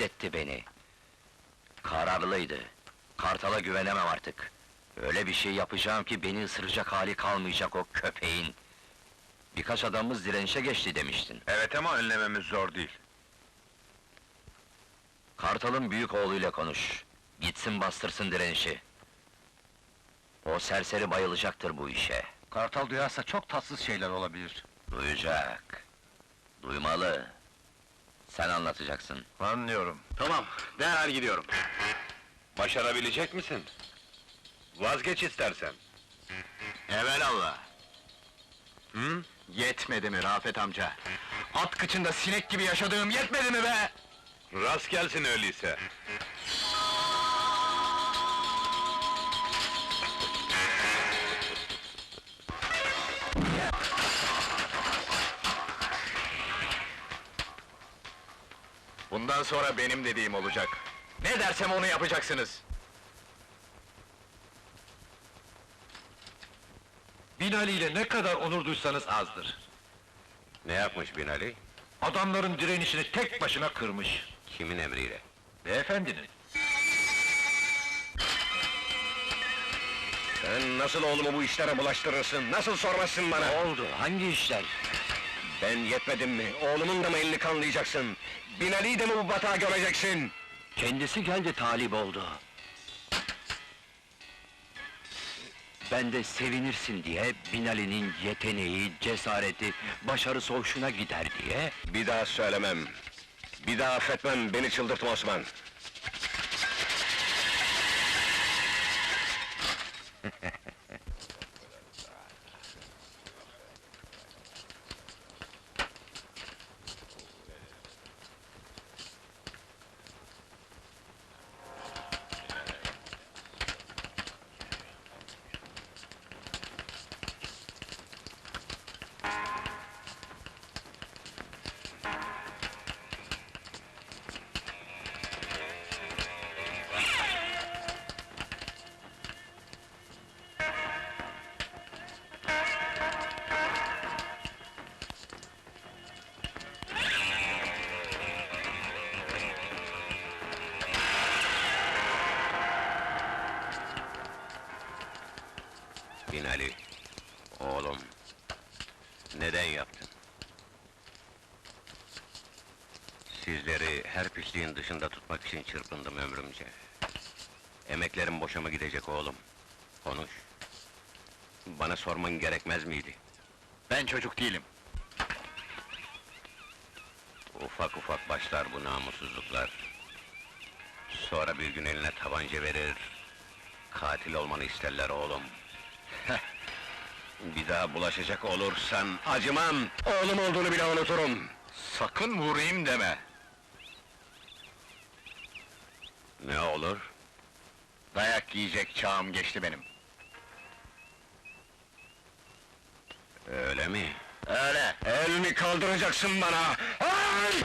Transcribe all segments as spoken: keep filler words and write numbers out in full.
etti beni. Kararlıydı. Kartal'a güvenemem artık. Öyle bir şey yapacağım ki beni ısıracak hali kalmayacak o köpeğin. Birkaç adamımız direnişe geçti demiştin. Evet ama önlememiz zor değil. Kartal'ın büyük oğluyla konuş. Gitsin bastırsın direnişi. O serseri bayılacaktır bu işe. Kartal duyarsa çok tatsız şeyler olabilir. Duyacak. Duymalı. Sen anlatacaksın. Anlıyorum. Tamam, derhal gidiyorum. Başarabilecek misin? Vazgeç istersen. Evelallah. Hı? Yetmedi mi Rafet amca? At kıçında sinek gibi yaşadığım yetmedi mi be? Rast gelsin öyleyse. Bundan sonra benim dediğim olacak. Ne dersem onu yapacaksınız. Binali ile ne kadar onur duysanız azdır. Ne yapmış Binali? Adamların direnişini tek başına kırmış. Kimin emriyle? Beyefendinin. Sen nasıl oğlumu bu işlere bulaştırırsın? Nasıl sormazsın bana? Ne oldu? Hangi işler? Ben yetmedim mi? Oğlumun da mı elini kanlayacaksın? Binali'yi de mi bu batağa göreceksin? Kendisi geldi talip oldu. Ben de sevinirsin diye, Binali'nin yeteneği, cesareti, başarısı hoşuna gider diye... Bir daha söylemem. Bir daha affetmem, beni çıldırtma Osman. Binali, oğlum, neden yaptın? Sizleri her pisliğin dışında tutmak için çırpındım ömrümce. Emeklerim boşa mı gidecek oğlum? Konuş. Bana sorman gerekmez miydi? Ben çocuk değilim. Ufak ufak başlar bu namussuzluklar. Sonra bir gün eline tabanca verir, katil olmanı isterler oğlum. Bir daha bulaşacak olursan Acımam! Oğlum olduğunu bile unuturum! Sakın vurayım deme. ne olur? Dayak yiyecek çağım geçti benim. Öyle mi? Öyle! Elini kaldıracaksın bana! Ay!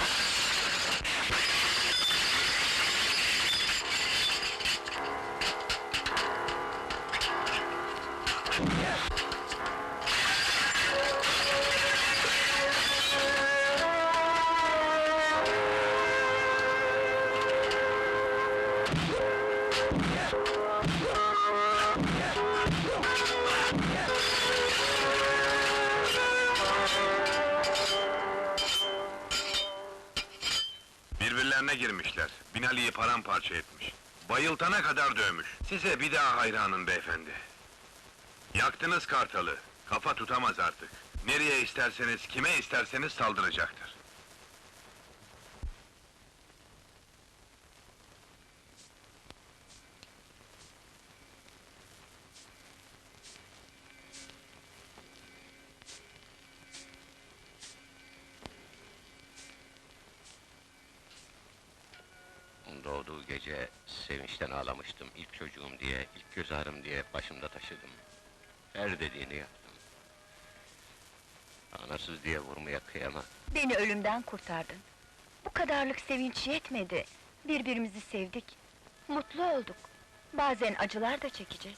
Birbirlerine girmişler. Binali'yi paramparça etmiş. Bayıltana kadar dövmüş. Size bir daha hayranım beyefendi. Yaktınız Kartal'ı. Kafa tutamaz artık. Nereye isterseniz, kime isterseniz saldıracaktır. Doğduğu gece sevinçten ağlamıştım. İlk çocuğum diye, ilk göz ağrım diye başımda taşıdım. Her dediğini yaptım. Anasız diye vurmaya kıyamam. Beni ölümden kurtardın. Bu kadarlık sevinç yetmedi. Birbirimizi sevdik. Mutlu olduk. Bazen acılar da çekeceğiz.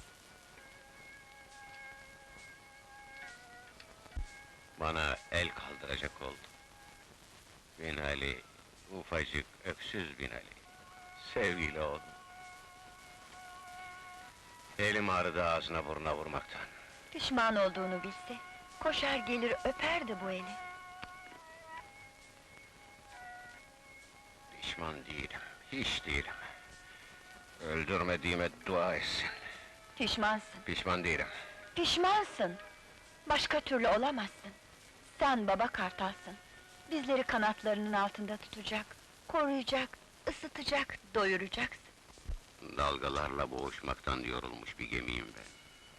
Bana el kaldıracak oldu. Binali, Ufacık, öksüz Binali. Sevgili oğlum. Elim ağrıdı ağzına burnuna vurmaktan. Pişman olduğunu bilse, koşar gelir öperdi bu eli. Pişman değilim, hiç değilim. Öldürmediğime dua etsin. Pişmansın, Pişman değilim. pişmansın! Başka türlü olamazsın. Sen baba kartalsın. Bizleri kanatlarının altında tutacak, koruyacak, ısıtacak, doyuracaksın. Dalgalarla boğuşmaktan yorulmuş bir gemiyim ben.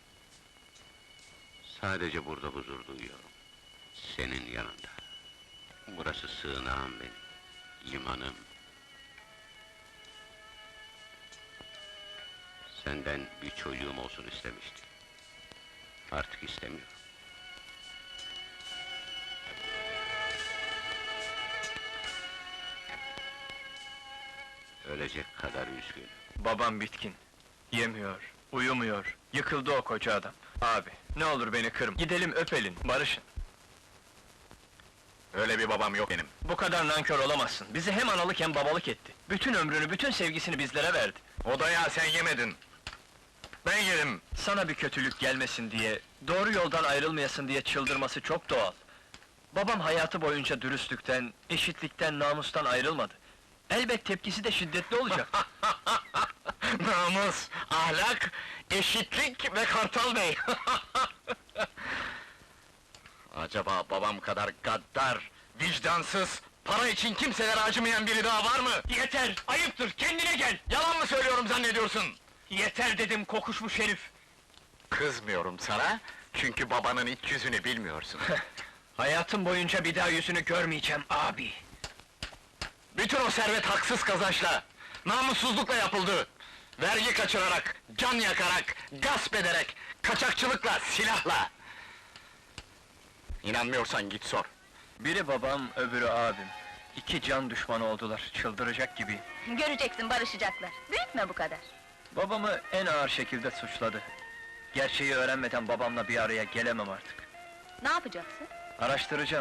Sadece burada huzur duyuyorum. Senin yanında. Burası sığınağım benim, limanım. Senden bir çocuğum olsun istemiştim. Artık istemiyorum. Ölecek kadar üzgünüm. Babam bitkin. Yemiyor, uyumuyor. Yıkıldı o koca adam. Abi, ne olur beni kırma. Gidelim öpelin, barışın. Öyle bir babam yok benim. Bu kadar nankör olamazsın. Bizi hem analık hem babalık etti. Bütün ömrünü, bütün sevgisini bizlere verdi. O dayağı sen yemedin. Ben yedim. Sana bir kötülük gelmesin diye, doğru yoldan ayrılmayasın diye çıldırması çok doğal. Babam hayatı boyunca dürüstlükten, eşitlikten, namustan ayrılmadı. Elbet tepkisi de şiddetli olacak. Namus, ahlak, eşitlik ve Kartal Bey! Acaba babam kadar gaddar, vicdansız, para için kimselere acımayan biri daha var mı? Yeter, ayıptır, kendine gel! Yalan mı söylüyorum zannediyorsun? Yeter dedim, kokuşmuş herif! Kızmıyorum sana, çünkü babanın iç yüzünü bilmiyorsun. Hayatım boyunca bir daha yüzünü görmeyeceğim abi! Bütün o servet haksız kazançla, namussuzlukla yapıldı. Vergi kaçırarak, can yakarak, gasp ederek, kaçakçılıkla, silahla. İnanmıyorsan git sor. Biri babam, öbürü abim. İki can düşmanı oldular, çıldıracak gibi. Göreceksin, barışacaklar. Büyütme bu kadar. Babamı en ağır şekilde suçladı. Gerçeği öğrenmeden babamla bir araya gelemem artık. Ne yapacaksın? Araştıracağım.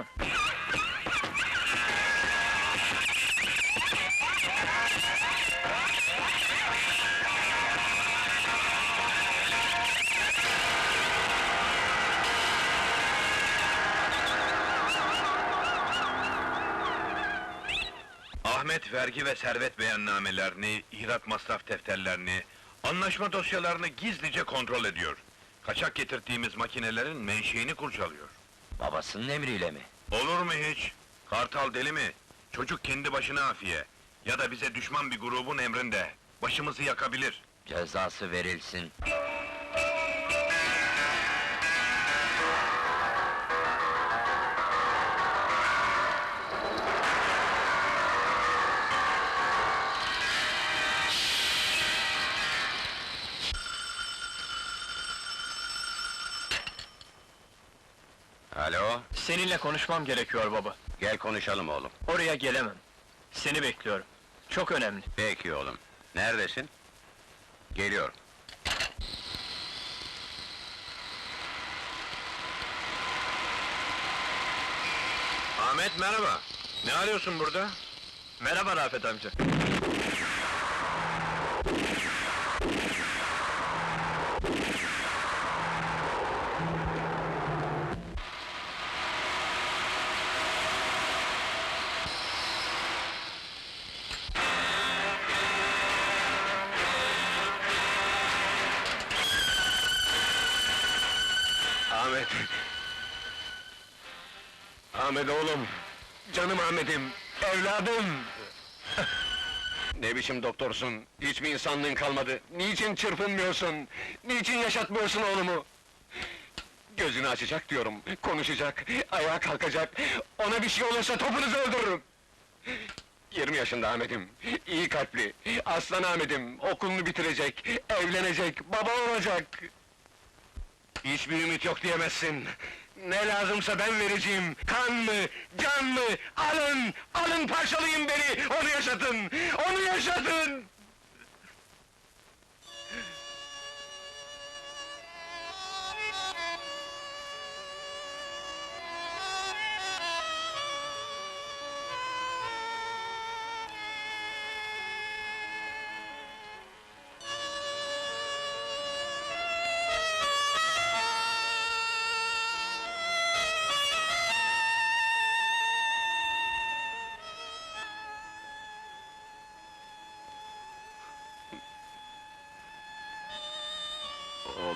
Ahmet vergi ve servet beyannamelerini, ihraç masraf defterlerini, anlaşma dosyalarını gizlice kontrol ediyor. Kaçak getirdiğimiz makinelerin menşeini kurcalıyor. Babasının emriyle mi? Olur mu hiç? Kartal deli mi? Çocuk kendi başına afiye. Ya da bize düşman bir grubun emrinde. Başımızı yakabilir. Cezası verilsin. Alo, Seninle konuşmam gerekiyor baba. gel konuşalım oğlum. Oraya gelemem. Seni bekliyorum. Çok önemli. Peki oğlum, neredesin? Geliyorum. Ahmet merhaba. Ne arıyorsun burada? Merhaba Rafet amca. Ahmet! Ahmet oğlum! Canım Ahmet'im! Evladım! Ne biçim doktorsun? Hiç mi insanlığın kalmadı? Niçin çırpınmıyorsun? Niçin yaşatmıyorsun oğlumu? Gözünü açacak diyorum, konuşacak, ayağa kalkacak. Ona bir şey olursa topunuzu öldürürüm! Yirmi yaşında Ahmet'im, iyi kalpli, aslan Ahmet'im, okulunu bitirecek, evlenecek, baba olacak! Hiçbir ümit yok diyemezsin! Ne lazımsa ben vereceğim! Kan mı, can mı? Alın, alın parçalayın beni! Onu yaşatın, onu yaşatın!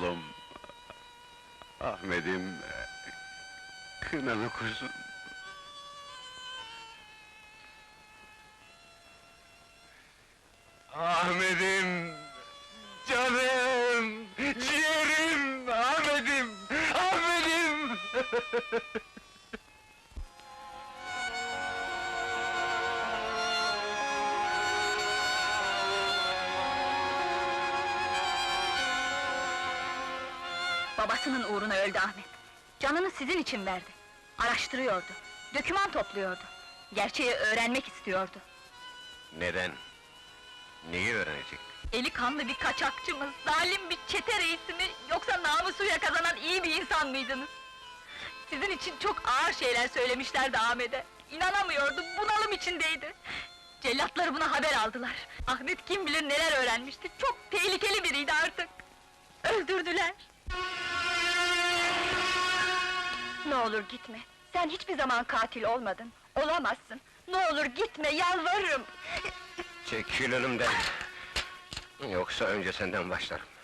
oğlum. Ahmet'im, kınalı kuzum. Ahmet'im, canım, ciğerim, Ahmet'im, Ahmet'im! Babasının uğruna öldü Ahmet. Canını sizin için verdi. Araştırıyordu. Döküman topluyordu. Gerçeği öğrenmek istiyordu. Neden? Neyi öğrenecek? Eli kanlı bir kaçakçı mı, zalim bir çete reisi mi, yoksa namusuyla kazanan iyi bir insan mıydınız? Sizin için çok ağır şeyler söylemişlerdi Ahmet'e. İnanamıyordu, bunalım içindeydi. Cellatları buna haber aldılar. Ahmet kim bilir neler öğrenmişti, çok tehlikeli biriydi artık. Öldürdüler. Ne olur gitme, sen hiçbir zaman katil olmadın, olamazsın. Ne olur gitme, yalvarırım! Çekil önümden! Yoksa önce senden başlarım.